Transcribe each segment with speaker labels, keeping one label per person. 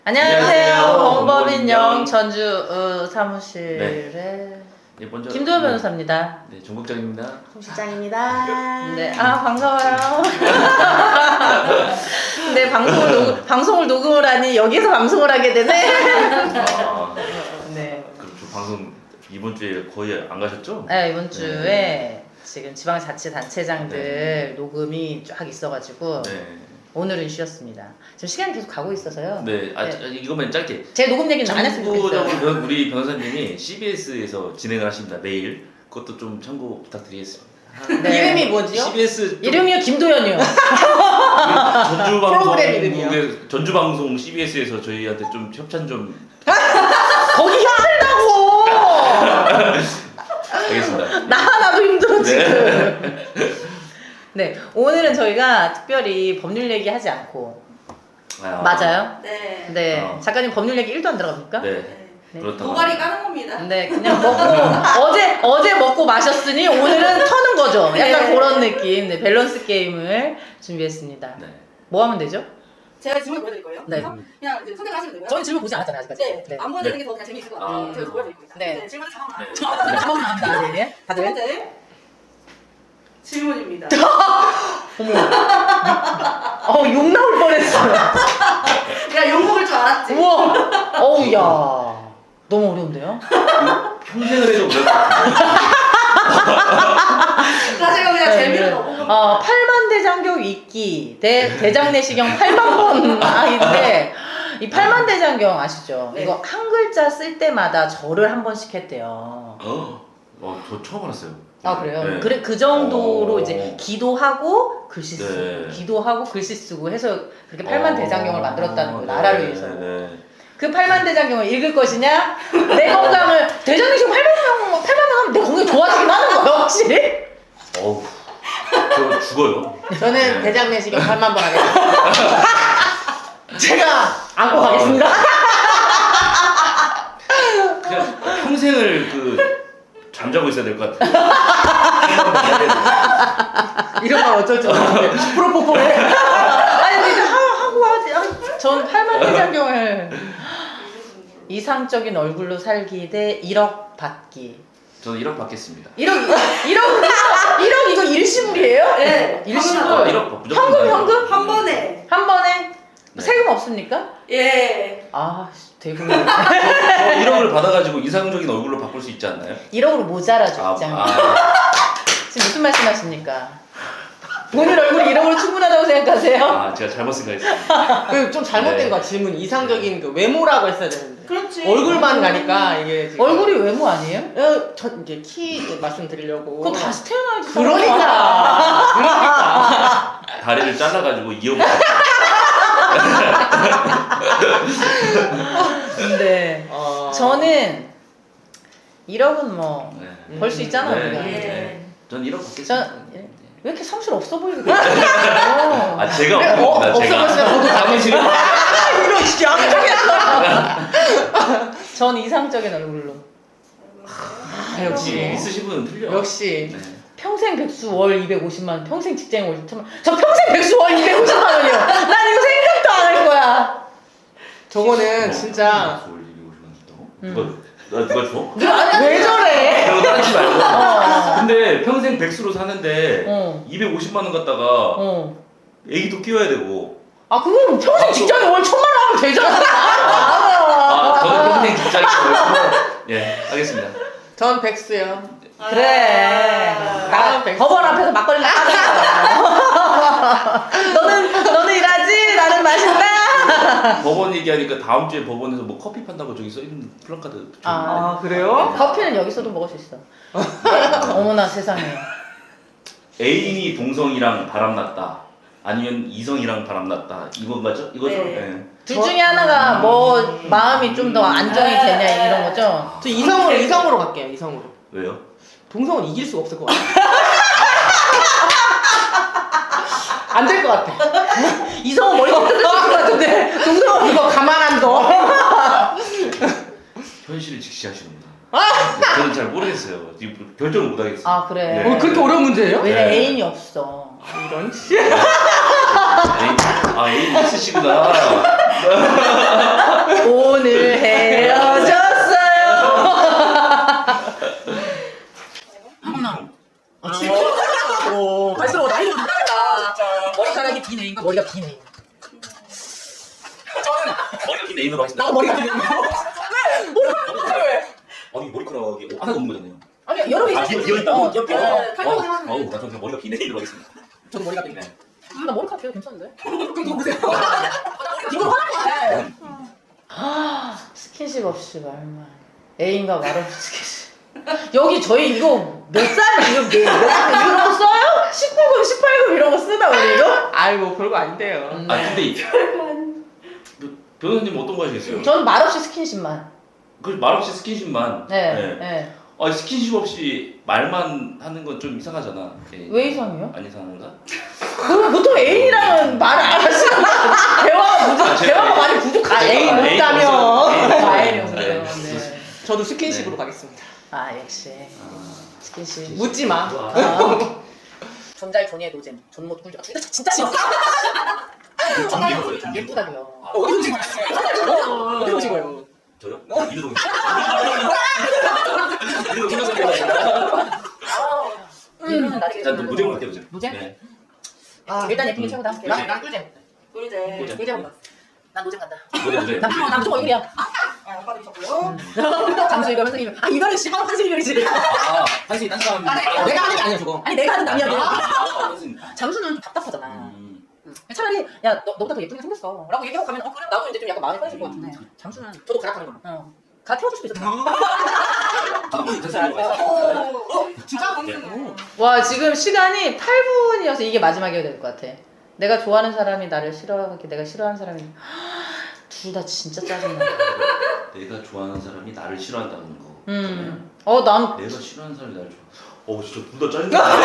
Speaker 1: 안녕하세요. 범법인영 전주 사무실의
Speaker 2: 먼저
Speaker 1: 김도현 변호사입니다.
Speaker 2: 네, 정국장입니다.
Speaker 3: 송 실장입니다.
Speaker 1: 네, 반가워요. 네, 방송을 녹음을 하니 여기서 방송을 하게 되네.
Speaker 3: 네.
Speaker 2: 그렇죠. 방송 이번 주에 거의 안 가셨죠?
Speaker 1: 네, 이번 주에 지금 지방자치단체장들 녹음이 쫙 있어가지고 오늘은 쉬었습니다. 지금 시간이 계속 가고 있어서요.
Speaker 2: 네, 이것만 짧게.
Speaker 1: 제 녹음 얘기는 안 했으면 좋겠어요.
Speaker 2: 참고적으로 우리 변호사님이 CBS에서 진행을 하십니다. 매일. 그것도 좀 참고 부탁드리겠습니다.
Speaker 1: 네.
Speaker 3: 이름이 뭐지요?
Speaker 2: CBS
Speaker 1: 이름이요 김도현이요.
Speaker 3: 프로그램 이름이요?
Speaker 2: 전주방송 CBS에서 저희한테 좀 협찬 좀.
Speaker 1: 거기 힘들다고.
Speaker 2: 알겠습니다.
Speaker 1: 나도 힘들어 지금.
Speaker 2: 네.
Speaker 1: 네, 오늘은 저희가 특별히 법률 얘기하지 않고 맞아요?
Speaker 3: 네.
Speaker 1: 네, 작가님 법률 얘기 1도 안 들어갑니까?
Speaker 2: 네.
Speaker 1: 네.
Speaker 2: 그렇다고.
Speaker 3: 도가리 까는 겁니다.
Speaker 1: 네, 그냥 먹고 어제 먹고 마셨으니 오늘은 터는 거죠. 약간
Speaker 3: 네.
Speaker 1: 그런 느낌. 네, 밸런스 게임을 준비했습니다.
Speaker 2: 네.
Speaker 1: 뭐 하면 되죠?
Speaker 3: 제가 질문 보여드릴 거예요.
Speaker 1: 네.
Speaker 3: 그래서 그냥 이제 선택하시면 되고요.
Speaker 1: 저는 질문 보지 않았잖아요 아직까지.
Speaker 3: 네. 안 보여드리는 게 더 그냥 재미있을 것 같아요.
Speaker 2: 아.
Speaker 3: 제가 보여드리고 있어요.
Speaker 1: 네.
Speaker 3: 질문은 자막 나와요.
Speaker 1: 자막 나옵니다. 네,
Speaker 3: 첫
Speaker 1: 다들.
Speaker 3: 번째 질문입니다.
Speaker 1: 욕 나올 뻔했어요.
Speaker 3: 내가 욕 먹을 줄 알았지.
Speaker 1: 우와. 어우 야. 너무 어려운데요?
Speaker 2: 평생을 해도 그럴 것 같아요.
Speaker 3: 사실 그냥
Speaker 1: 네,
Speaker 3: 재미로
Speaker 1: 네.
Speaker 3: 넣어본 거.
Speaker 1: 8만 대장경 읽기 대 대장내시경 8만 번 아인데 이 8만 대장경 아시죠?
Speaker 3: 네.
Speaker 1: 이거 한 글자 쓸 때마다 절을 한 번씩 했대요.
Speaker 2: 저 처음 알았어요.
Speaker 1: 아 그래요?
Speaker 2: 네.
Speaker 1: 그래 그 정도로 이제 기도하고 글씨 쓰고
Speaker 2: 네.
Speaker 1: 기도하고 글씨 쓰고 해서 그렇게 8만 대장경을 만들었다는 거예요.
Speaker 2: 네,
Speaker 1: 나라를 위해서.
Speaker 2: 네.
Speaker 1: 그 8만 대장경을 읽을 것이냐? 내 건강을 대장내시경 8만 명 하면 내 건강이 좋아지긴 하는 거예요 혹시?
Speaker 2: 어우, 저 죽어요.
Speaker 3: 저는
Speaker 2: 네.
Speaker 3: 대장내시경 8만 번 하겠습니다.
Speaker 1: 제가 안고 가겠습니다.
Speaker 2: 그냥 평생을 잠자고 있어야 될 것 같아요.
Speaker 3: 이런 건 어쩔 줄 모르겠는데.
Speaker 1: 프로포폴해. 아니 근데 하고 하지. 전 8만 대장경을 이상적인 얼굴로 살기 대 1억 받기.
Speaker 2: 저는 1억 받겠습니다.
Speaker 1: 1억 이거 일시불이에요?
Speaker 3: 네.
Speaker 1: 일시불.
Speaker 2: 1억 무조건.
Speaker 1: 현금?
Speaker 3: 한 번에.
Speaker 1: 한 번에
Speaker 2: 네.
Speaker 1: 세금 없습니까?
Speaker 3: 예.
Speaker 1: 아 대금.
Speaker 2: 1억을 받아가지고 이상적인 얼굴로 바꿀 수 있지 않나요?
Speaker 1: 1억으로 모자라죠 입장이. 지금 무슨 말씀하십니까? 본인 얼굴이 1억으로 충분하다고 생각하세요?
Speaker 2: 제가 잘못 생각했습니다.
Speaker 4: 좀 잘못된
Speaker 2: 네.
Speaker 4: 거야 질문 이상적인 그 외모라고 했어야 되는데
Speaker 3: 그렇지.
Speaker 4: 얼굴만 가니까 이게 지금
Speaker 1: 얼굴이 외모 아니에요?
Speaker 4: 저 이제 키 말씀드리려고
Speaker 1: 그거 다시 태어나야지.
Speaker 4: 그러니까
Speaker 2: 다리를 잘라가지고 2억.
Speaker 1: 근데 저는 1억은 뭐 벌 수
Speaker 2: 네.
Speaker 1: 있잖아요
Speaker 2: 네.
Speaker 1: 우리가.
Speaker 3: 네.
Speaker 2: 전 1억 받겠습니다.
Speaker 1: 왜 이렇게 성실 없어 보이게 그래?
Speaker 2: 제가 없습니다.
Speaker 1: 없어
Speaker 2: 제가.
Speaker 1: 보이시면 저도
Speaker 2: 당신은
Speaker 4: 이런 씨
Speaker 1: 전 이상적인 얼굴로.
Speaker 4: 역시
Speaker 2: 있으신 분은 틀려.
Speaker 4: 역시
Speaker 2: 네.
Speaker 1: 평생 백수 월 250만 원, 평생 직장 월 2천만 원. 저 평생 백수 월 250만 원이요. 난 이거 생각도 안 할 거야.
Speaker 4: 저거는 진짜
Speaker 2: 누가 줘?
Speaker 4: 왜 저래
Speaker 2: 그거 따지지 말고.
Speaker 1: 어.
Speaker 2: 근데 평생 백수로 사는데
Speaker 1: 어.
Speaker 2: 250만 원 갖다가
Speaker 1: 어.
Speaker 2: 애기도 키워야 되고.
Speaker 1: 아 그거는 평생 직장에 월 1,000만 원 하면 되잖아.
Speaker 2: 저는 평생 직장이고. 예, 알겠습니다.
Speaker 4: 전 백수요
Speaker 1: 그래. 나
Speaker 4: 백수.
Speaker 1: 법원 앞에서 막걸리 나가자. 너는 일하지, 나는 마신다.
Speaker 2: 법원 얘기하니까 다음 주에 법원에서 뭐 커피 판다고 저기 써 있는 플랜카드.
Speaker 4: 아 그래요?
Speaker 1: 커피는 여기서도 먹을 수 있어. 어머나 세상에.
Speaker 2: 애인이 동성이랑 바람났다. 아니면 이성이랑 바람났다. 이건 거죠? 이거죠?
Speaker 3: 네.
Speaker 2: 네.
Speaker 1: 둘 중에 하나가 뭐 마음이 좀 더 안정이 되냐 이런 거죠.
Speaker 4: 저 이성으로 갈게요 이성으로
Speaker 2: 왜요?
Speaker 4: 동성은 이길 수가 없을 것 같아 안 될 것 같아
Speaker 1: 이성은 머리 뜯을 것 같은데 동성은
Speaker 4: 이거 가만 안 둬.
Speaker 2: 현실을 직시하시는구나. 저는 잘 모르겠어요. 지금 결정을 못 하겠어요.
Speaker 1: 아 그래.
Speaker 2: 네.
Speaker 4: 그렇게 어려운 문제예요?
Speaker 1: 왜냐
Speaker 2: 네.
Speaker 1: 애인이 없어.
Speaker 4: 이런 씨
Speaker 2: 애인 있으시구나.
Speaker 1: 오늘 헤어졌어요.
Speaker 4: 갈수록 나이가 높다. 머리카락이 긴 애인가 머리가 긴 애인.
Speaker 2: 머리가 긴 애인으로 하신다.
Speaker 4: 나 머리가 긴 애인.
Speaker 2: 아니 머리카락이 하나도 없는 거잖아요.
Speaker 4: 아니 여러 개
Speaker 2: 아,
Speaker 4: 있어.
Speaker 2: 비어 있다고?
Speaker 4: 옆에.
Speaker 2: 어우, 나 저는 머리가 긴 애인으로 하겠습니다.
Speaker 4: 저도 머리가 긴 애.
Speaker 2: 네.
Speaker 1: 나 머리카락 되게 괜찮은데?
Speaker 4: 그럼 이거 보세요. 이거 화난 거야.
Speaker 1: 스킨십 없이 말만. 애인과 말 없이 스킨십. 여기 저희 이거 몇 살, 이거 이런 거 써요? 19금, 18금 이런 거 쓰나, 우리 이거?
Speaker 4: 아이고 별거 아닌데요.
Speaker 2: 아 근데 변호사님 어떤 거 하시겠어요?
Speaker 1: 저는 말 없이 스킨십만.
Speaker 2: 그 말없이 스킨십만.
Speaker 1: 네. 네.
Speaker 2: 아 스킨십 없이 말만 하는 건 좀 이상하잖아. 예.
Speaker 1: 왜 이상해요?
Speaker 2: 안 이상한가?
Speaker 1: 그럼 보통 애인이랑은 말을 안 하시는 대화가 많이 부족하죠. 아, 애인
Speaker 2: 애인
Speaker 1: 없다며.
Speaker 2: 없어요. 애인
Speaker 1: 아, 애인
Speaker 2: 없어요.
Speaker 1: 없어요.
Speaker 2: 네.
Speaker 1: 네.
Speaker 4: 저도 스킨십으로
Speaker 2: 네.
Speaker 4: 가겠습니다.
Speaker 1: 아, 역시. 스킨십.
Speaker 4: 묻지 마.
Speaker 1: 아.
Speaker 4: 존잘 존의 노잼. 존못 꿀. 진짜 싫어.
Speaker 1: 예쁘다고요.
Speaker 4: 어디서 찍은 거예요? 어디서 찍은 거예요?
Speaker 2: 저요? 이두동. 일단 무대로 갈게요.
Speaker 1: 무제?
Speaker 2: 네.
Speaker 1: 아, 일단 예쁘게 최고다.
Speaker 4: 난 꿀잼.
Speaker 3: 꿀잼.
Speaker 1: 꿀잼. 난 노잼 간다.
Speaker 2: 무대.
Speaker 1: 난 무조건 얼굴이야.
Speaker 3: 오빠 드셨고요.
Speaker 1: 잠수 이거 선생님. 아, 이거는 씨 한승 이별이지.
Speaker 2: 아 한시 딴 사람.
Speaker 4: 내가 하는 게 아니야 저거.
Speaker 1: 아니, 내가 하는 남이야.
Speaker 2: 한시.
Speaker 1: 잠수는 좀 답답하잖아.
Speaker 2: 음.
Speaker 1: 차라리 야 너보다 더 예쁘게 생겼어 라고 얘기하고 가면 그래 나도 이제 좀 약간 마음이 편해질 것 같은데 잠수는
Speaker 4: 저도 가락하는 거.
Speaker 1: 가 태워줄 수도 있어.
Speaker 3: 진짜
Speaker 1: 와 지금 시간이 8분이어서 이게 마지막이 될 것 같아. 내가 좋아하는 사람이 나를 싫어하게 내가 싫어하는 사람이 둘 다 진짜 짜증나.
Speaker 2: 내가 좋아하는 사람이 나를 싫어한다는 거.
Speaker 1: 난
Speaker 2: 내가 싫어하는 사람이 나를 좋아. 진짜 둘 다 짜증나.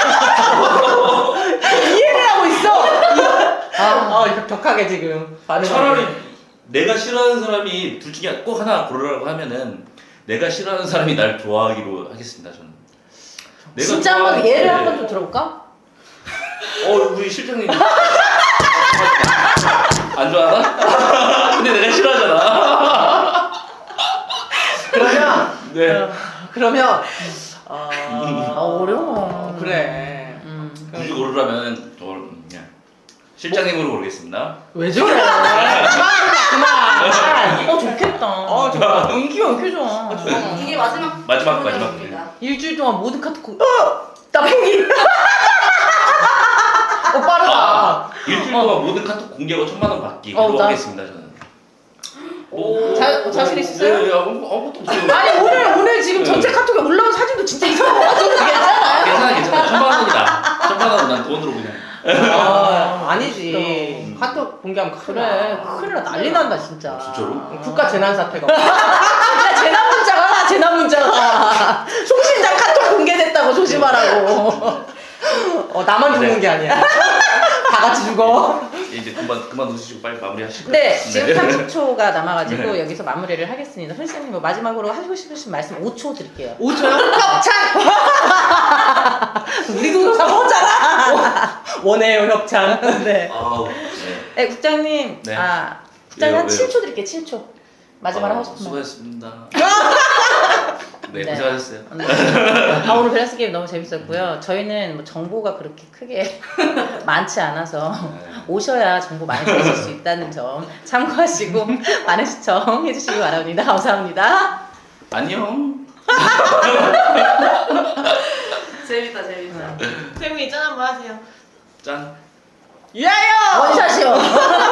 Speaker 1: 이해를 하고 있어.
Speaker 4: 이거 격하게 지금 반응.
Speaker 2: 차라리 내가 싫어하는 사람이 둘 중에 꼭 하나 고르라고 하면은 내가 싫어하는 사람이 날 좋아하기로 하겠습니다. 저는. 내가
Speaker 1: 진짜 한번
Speaker 2: 좋아하는-
Speaker 1: 예를
Speaker 2: 네.
Speaker 1: 한 번 좀 들어볼까?
Speaker 2: 우리 실장님 안 좋아하나? 근데 내가 싫어하잖아.
Speaker 4: 그러면
Speaker 2: 네.
Speaker 4: 그러면
Speaker 1: 어려워.
Speaker 4: 그래.
Speaker 2: 굳이 고르라면 그냥 실장님으로 고르겠습니다.
Speaker 4: 왜 저래? 그만.
Speaker 1: 좋겠다.
Speaker 4: 좋아.
Speaker 1: 인기가 왜 이렇게 좋아?
Speaker 3: 이게 마지막
Speaker 2: 마지막.
Speaker 3: 질문이었습니다.
Speaker 1: 일주일 동안 모든 카톡 나 포기.
Speaker 4: 빠르다.
Speaker 2: 일주일 동안 모든 카톡 공개하고 1,000만 원 받기로
Speaker 1: 나-
Speaker 2: 하겠습니다. 저는.
Speaker 1: 자신 있으세요?
Speaker 2: 네, 아무것도 없어요.
Speaker 1: 아니 오늘 지금 전체 카톡에 올라온 사진도 진짜 이상한 거 같아도 괜찮아요?
Speaker 2: 괜찮아. 1,000만 원이다. 1,000만 원은 난 돈으로 그냥.
Speaker 4: 아니지. 카톡 공개하면 큰일
Speaker 1: 그래
Speaker 4: 나.
Speaker 1: 큰일 나 난리 난다 진짜.
Speaker 2: 진짜로?
Speaker 4: 국가 재난 사태가.
Speaker 1: 야 재난 문자가 송신장 카톡 공개됐다고 조심하라고.
Speaker 4: 나만 죽는 게 아니야. 다 같이 죽어.
Speaker 2: 이제 그만 웃으시고 빨리 마무리하시고.
Speaker 1: 네 지금 30초가 남아가지고 여기서 마무리를 하겠습니다. 선생님 뭐 마지막으로 하시고 싶으신 말씀 5초 드릴게요.
Speaker 4: 5초요?
Speaker 1: 협찬! 우리도 사먹었잖아.
Speaker 4: 원해요 협찬.
Speaker 1: 네.
Speaker 2: 아우. 네.
Speaker 1: 네 국장님
Speaker 2: 네.
Speaker 1: 국장님 한
Speaker 2: 왜요?
Speaker 1: 7초 드릴게요. 7초. 마지막으로 하고 싶은 말.
Speaker 2: 수고하셨습니다.
Speaker 1: 네.
Speaker 2: 네, 고생하셨어요.
Speaker 1: 오늘 밸런스 게임 너무 재밌었고요. 저희는 뭐 정보가 그렇게 크게 많지 않아서 오셔야 정보 많이 들으실 수 있다는 점 참고하시고 많은 시청 해주시기 바랍니다. 감사합니다.
Speaker 2: 안녕.
Speaker 3: 재밌다.
Speaker 4: 태웅이 짠 한번 하세요.
Speaker 2: 짠.
Speaker 4: 유하여!
Speaker 1: 원샷이요.